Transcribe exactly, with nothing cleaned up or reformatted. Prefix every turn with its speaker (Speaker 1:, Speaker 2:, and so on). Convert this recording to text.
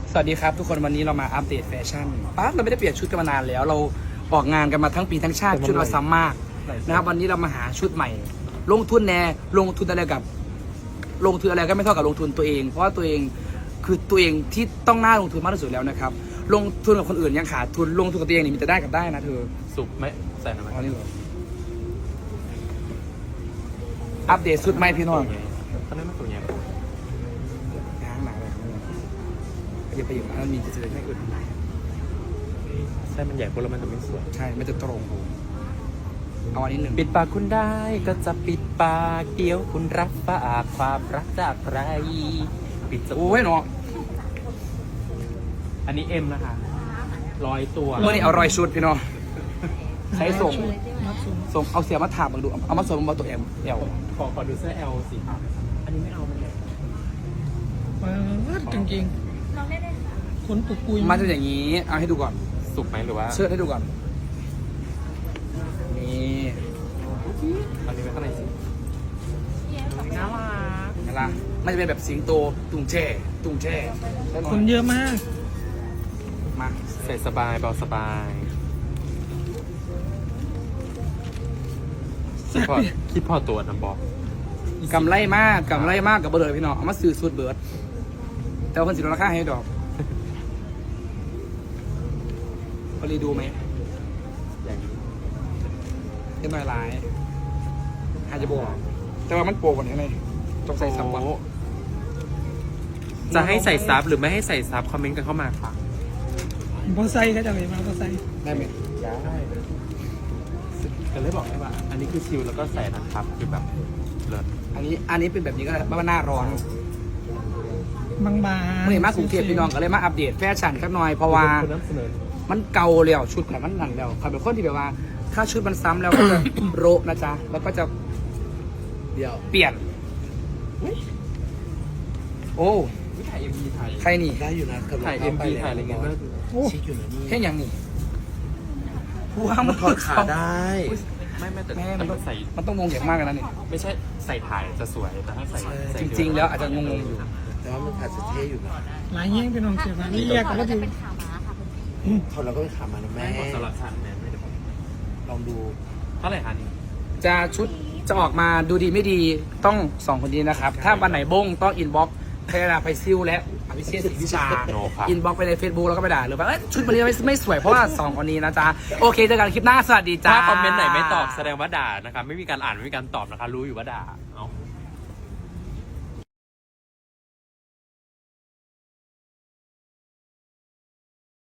Speaker 1: สวัสดีครับทุกคนวันนี้เรามาอัปเดตแฟชั่นป้าเราไม่ได้เปลี่ยนชุดกันมานานแล้วเราออกงานกันมาทั้งปีทั้งชาติชุดเราซ้ำมากนะครับวันนี้เรามาหาชุดใหม่ ลงทุนแน่ลงทุนอะไรกับ ลงทุนอะไรก็ไม่เท่ากับลงทุนตัวเอง เพราะว่าตัวเองคือตัวเองที่ต้องน่าลงทุนมากที่สุดแล้วนะครับลงทุนกับคนอื่นยังขาดทุนลงทุนกับตัวเองนี่มีแต่ได้กับได้นะเธอ
Speaker 2: สุกไหมใส่หน่อยไหม
Speaker 1: เอานี่เหรออัปเดตชุดใหม่พี่น้อง
Speaker 2: ตอนนั้นมันตัวใหญ่
Speaker 1: ง้างหนาเลยอย่าไปอยู่นะมันมีจะเจอให้อื่น
Speaker 2: ใช่มันใหญ่คนละมันจะไม่สวย
Speaker 1: ใช่ไม่จะตรงเอาอันนี้หนึ่ง
Speaker 2: ปิดปากคุณได้ก็จะปิดปากเดียวคุณรับฝากความรักจากใครปิดจ
Speaker 1: โอ้ยเนาะ
Speaker 2: อันนี้เอ็มนะคะร้อยตัว
Speaker 1: เมื่อนี้เอารอยชุดพี่น้องใช้ส่งส่งเอาเสียมาถามมาดูเอามาส่งมาตัวเอ็มเอล
Speaker 2: ขอขอดูเสื้อ L สิครับอันนี้ไม่เอามันเลย
Speaker 3: มาจริงจริงๆขนปุกปุย
Speaker 1: มันจะอย่างนี้เอาให้ดูก่อน
Speaker 2: สุกไหมหรือว่า
Speaker 1: เชิดให้ดูก่อนนี่
Speaker 2: อันนี้ไม่ข้างในสิน่ารัก
Speaker 1: เห็นปะมันจะเป็นแบบสิงโตตุงแช่ตุงแช่ได้หน่อ
Speaker 3: ค
Speaker 1: ย
Speaker 3: นเยอะมาก
Speaker 1: มา
Speaker 2: ใส่สบายเบาสบายคิดพอคิดพอตัวนะบอก
Speaker 1: กำไรมากกำไรมากกับเบอร์เลยพี่น้องเอามาซื้อสูตรเบิร์ดแต่ว่าคนสิลดราคาให้ดอกพอรีดูไหม
Speaker 2: อย่างนี้
Speaker 1: เรียบร้อยหลายอาจจะบอกแต่ว่ามันโปรกว่านี้เลยต้องใส่สับวัน
Speaker 2: โอ้จะให้ใส่ซับหรือไม่ให้ใส่ซับคอมเมนต์กันเข้ามาค่ะ
Speaker 3: พอไซก็จะเลยมาพอไซ
Speaker 1: ได้ไหม
Speaker 2: ได้ก็เลยบอกได้ว่า อันนี้คือชิลแล้วก็ใส่นะครับคือแบบเลิศ
Speaker 1: อันนี้อันนี้เป็นแบบนี้ก็ได้เพราะว่าหน้าร้อน
Speaker 3: บางบาง
Speaker 1: เมื่อเห็นมากรุงเทพพี่น้องก็เลยมาอัปเดตแฟชั่นสักหน่อยเพราะว่า
Speaker 2: คุณนำเสนอ
Speaker 1: มันเก่าแล้วชุดแบบมันนั่นแล้วเขาเป็นคนที่แบบว่า ถ้าชุดมันซ้ำแล้วก็จะ โรคนะจ๊ะแล้วก็จะ
Speaker 4: เดี๋ยว
Speaker 1: เปลี่ยน โอ้
Speaker 2: ถ่ายเอ็มบีถ่าย
Speaker 1: ใครนี่
Speaker 4: ได้อยู่นะกับ
Speaker 2: ถ่ายเอ็มบีถ่ายอะไรเงี้ย
Speaker 3: โอ้
Speaker 4: ชิคอยู่นะนี่
Speaker 1: แค่อย่างนี้ผู้ว่า
Speaker 4: มั
Speaker 1: มัน น
Speaker 4: ถอดขาได้
Speaker 2: ไม่ไม่แต่
Speaker 1: แม่
Speaker 2: แต่
Speaker 1: มันต้
Speaker 2: มั
Speaker 1: อง
Speaker 2: นใส่
Speaker 1: มันต้องงงอย่างมากเลยนะนี่
Speaker 2: ไม่ใช่ใส่ถ่ายจะสวยแต่ถ้าใส่ใส่
Speaker 1: จริงๆแล้วอาจจะงงๆอยู่
Speaker 4: แต่ว่ามันอาจจะเท่อยู่นะ
Speaker 3: หลายแย่งเป็นน้องเสียมานี่แยกกันก็ถือ
Speaker 4: ถอดแล้วก็ไปขามานะ
Speaker 2: แม่
Speaker 4: แม่
Speaker 2: ของสลัดสันแม่ไม่ได้บอก
Speaker 4: ลองดู
Speaker 2: เท่าไหร่คะนี่
Speaker 1: จะชุดจะออกมาดูดีไม่ดีต้องสองคนนี้นะครับ ถ้าวันไหนบงต้องอินบ็อกซ์พยาไปซิลและอภิเชษฐ์ศรีวิชา
Speaker 2: โนค่ะ
Speaker 1: อินบ็อกซ์ไปใน Facebook แล้วก็ไปด่าหรือว่าเอ้ยชุดวันนี้ไม่ไม่สวยเพราะว่าสองคนนี้นะจ๊ะ โอเคเจอกันคลิปหน้า สวัสดีจ้า
Speaker 2: ถ้าคอมเมนต์ไหนไม่ตอบแสดงว่าด่านะคะไม่มีการอ่านไม่มีการตอบนะคะ รู้อยู่ว่าด่าเอา